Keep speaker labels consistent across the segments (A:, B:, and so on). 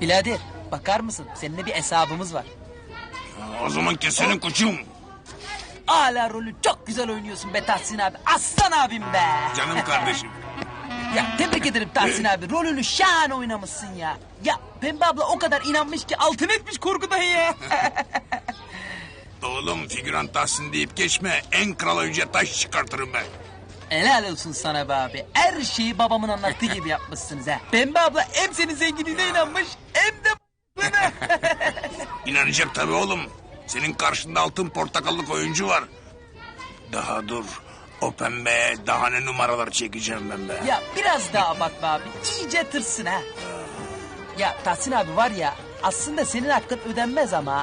A: Birader bakar mısın? Seninle bir hesabımız var.
B: O zaman kesenin koçum.
A: Hala rolü çok güzel oynuyorsun be Tahsin abi. Aslan abim be.
B: Canım kardeşim.
A: Ya tebrik ederim Tahsin abi. Rolünü şahane oynamışsın ya. Ya Pembe abla o kadar inanmış ki altın etmiş korkudan ya.
B: Oğlum figüran Tahsin deyip geçme. En kral oyuncuya taş çıkartırım ben.
A: Helal olsun sana be abi. Her şeyi babamın anlattığı gibi yapmışsınız ha. Pembe abla hem senin zenginliğine inanmış hem de bana.
B: İnanacak tabii oğlum. Senin karşında altın portakallık oyuncu var. Daha dur. O pembeye daha ne numaralar çekeceğim ben be.
A: Ya biraz daha abart be abi. İyice tırsın ha. Ya Tahsin abi var ya aslında senin hakkın ödenmez ama.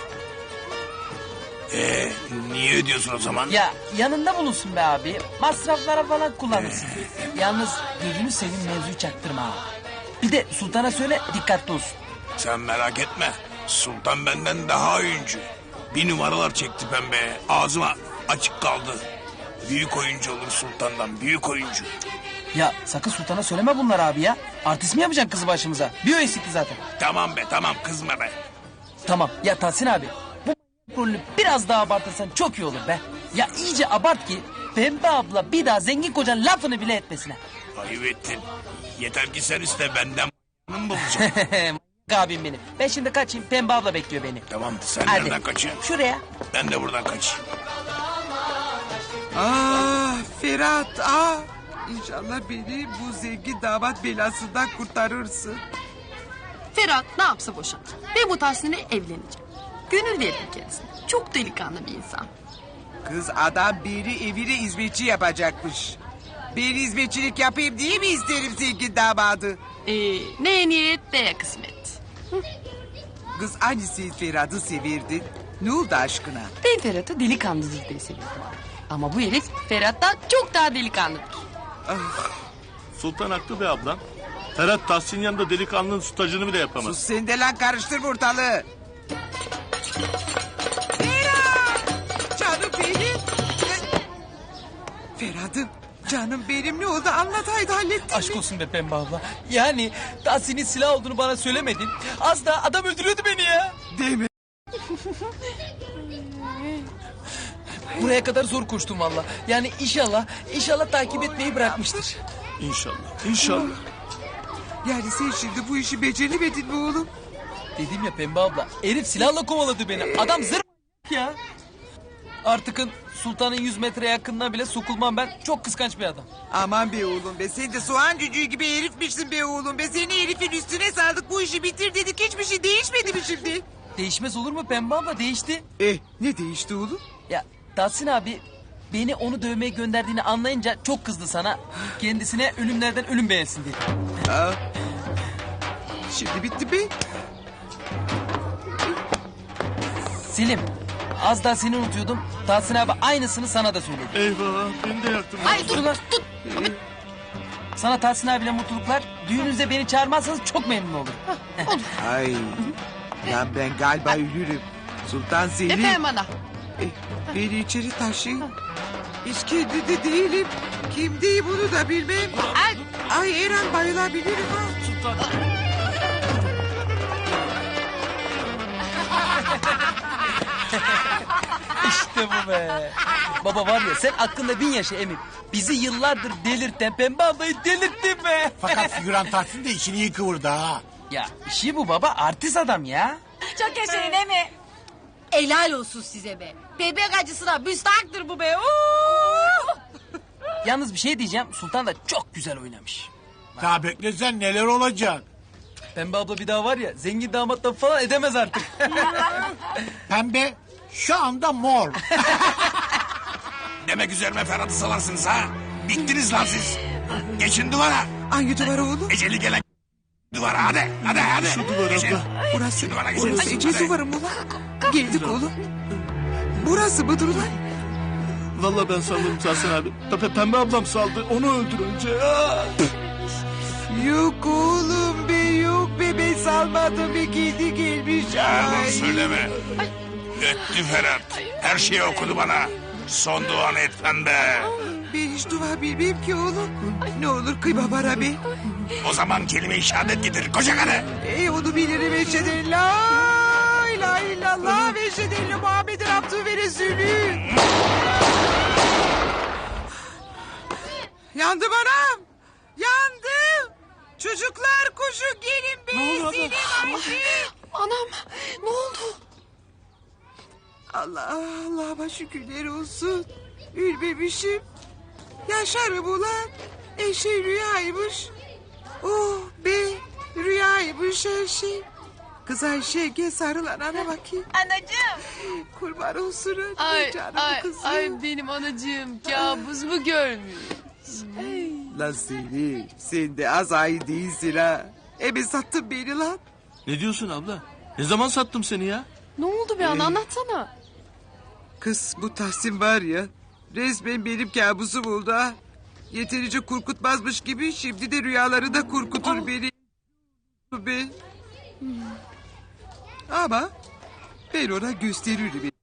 B: Niye ödüyorsun o zaman?
A: Ya yanında bulunsun be abi. Masraflara falan kullanırsın. Yalnız gözünü seveyim mevzuyu çaktırma ha. Bir de sultana söyle dikkatli olsun.
B: Sen merak etme. Sultan benden daha oyuncu. Bir numaralar çekti pembeye. Ağzıma açık kaldı. Büyük oyuncu olur sultandan. Büyük oyuncu.
A: Ya sakın sultana söyleme bunlar abi ya. Artist mi yapacaksın kızı başımıza? Bir o eksikti zaten.
B: Tamam be tamam kızma be.
A: Tamam ya Tahsin abi. Bu rolünü biraz daha abartırsan çok iyi olur be. Ya iyice abart ki Pembe abla bir daha zengin kocan lafını bile etmesine.
B: Ayıp ettin. Yeter ki sen iste benden mı bulacağım?
A: Abim benim. Ben şimdi kaçayım Pembe abla bekliyor beni.
B: Tamam sen
A: Hadi.
B: nereden kaçıyorsun?
A: Şuraya.
B: Ben de buradan kaçayım.
C: Ferhat İnşallah beni bu zengin damat belasından kurtarırsın.
D: Ferhat ne yapsa boşan. Ve bu Tahsin'le evleneceğim. Gönül veririm kendisine. Çok delikanlı bir insan.
C: Kız adam beni evine hizmetçi yapacakmış. Ben hizmetçilik yapayım diye mi isterim zengin damadı?
D: Neye niyet neye kısmet.
C: Kız hani sen Ferhat'ı severdin? Ne oldu aşkına?
D: Ben Ferhat'ı delikanlıdır diye seviyorum. Ama bu herif Ferhat'tan çok daha delikanlıdır.
E: Sultan haklı be ablam. Ferhat Tahsin yanında delikanlının stacını bile yapamaz.
C: Sus sen de lan karıştırma ortalığı. Ferhat! Canım benim. Ferhat'ım canım benim ne oldu anlat haydi hallettin
A: Aşk
C: mi?
A: olsun be Pembe abla. Yani Tahsin'in silah olduğunu bana söylemedin. Az daha adam öldürüyordu beni ya.
C: Değil mi?
A: Buraya kadar zor koştum valla. Yani inşallah takip etmeyi bırakmıştır.
E: İnşallah.
C: Yani sen şimdi bu işi beceremedin mi oğlum?
A: Dedim ya Pembe abla. Herif silahla kovaladı beni. Adam zır ya. Artıkın sultanın 100 metre yakınına bile sokulmam ben. Çok kıskanç bir adam.
C: Aman be oğlum be sen de soğan cücüğü gibi herifmişsin be oğlum be. Seni herifin üstüne sardık bu işi bitir dedik hiçbir şey değişmedi mi şimdi?
A: Değişmez olur mu Pembe abla değişti.
C: Ne değişti oğlum?
A: Ya Tahsin abi beni onu dövmeye gönderdiğini anlayınca çok kızdı sana. Kendisine ölümlerden ölüm beğensin dedi.
C: Şimdi bitti be.
A: Selim az daha seni unutuyordum. Tahsin abi aynısını sana da söyledi.
E: Eyvah beni de yaktın.
D: Ay dur tut.
A: Sana Tahsin abiyle mutluluklar. Düğününüzde beni çağırmazsanız çok memnun olurum.
C: Ay. Lan ben galiba ölürüm. Sultan Selim.
D: Efendim ana.
C: Beni içeri taşıyın. Hiç kendinde değilim. Kimdeyim bunu da bilmem. Ay Eren bayılabilirim ha.
E: Sultan.
A: İşte bu be. Baba var ya sen aklında 1000 yaşa emin. Bizi yıllardır delirten Pembe ablayı delirttin be.
F: Fakat figüran Tahsin de işini iyi kıvırdı ha.
A: Ya işi bu baba artist adam ya.
G: Çok yaşayın değil mi? Helal olsun size be. Bebek acısına müstahaktır bu be.
A: Yalnız bir şey diyeceğim Sultan da çok güzel oynamış.
F: Daha beklesen neler olacak.
A: Pembe abla bir daha var ya zengin damatla falan edemez artık.
F: Pembe şu anda mor.
B: Demek üzerime Ferhat'ı salarsınız ha. Bittiniz lan siz. Geçin duvara.
C: Hangi duvar oğlum?
B: Eceli gelen duvara hadi.
E: Şu duvar
B: Geçin.
E: abla.
C: Burası.
B: Şu duvara geçin.
C: Burası Ece
B: Hadi.
C: duvarı mı lan? Geldik oğlum. Burası mıdır ulan?
E: Vallahi ben saldım Tahsin abi. Pembe ablam saldı. Onu öldür önce.
C: Yok oğlum be yok be ben salmadım be kedi gelmiş.
B: Yalan
C: Ay.
B: söyleme. Öttü Ferhat. Her şeyi okudu bana. Son duanı et pembe.
C: Ben hiç dua bilmem ki oğlum. Ne olur kıyma bana be.
B: O zaman kelime-i şehadet getir koca karı.
C: Onu bilirim eşheden la ilahe illallah ve eşheden Muhammed'in abdü ve resulü. Yandım anam. Yandım. Çocuklar koşun gelin be. Selim Ayşe.
D: Anam ne oldu?
C: Allah'a şükürler olsun. Ülmemişim. Yaşarım ulan. Eşe rüyaymış. Oh be rüyaymış her şey. Kız Ayşe gel sarıl anana bakayım.
G: Anacığım.
C: Kurban olsun anne
D: Ay
C: canım
D: ay
C: kızım.
D: ay benim anacığım kabus mu görmüş?
C: Lan seni sen de az ay değilsin ha. Ebe sattın beni lan.
E: Ne diyorsun abla? Ne zaman sattım seni ya?
D: Ne oldu be ana anlatsana.
C: Kız bu Tahsin var ya resmen benim kabusum oldu ha. Yeterince korkutmazmış gibi şimdi de rüyaları da korkutur beni. Be. Ama ben ona gösteririm.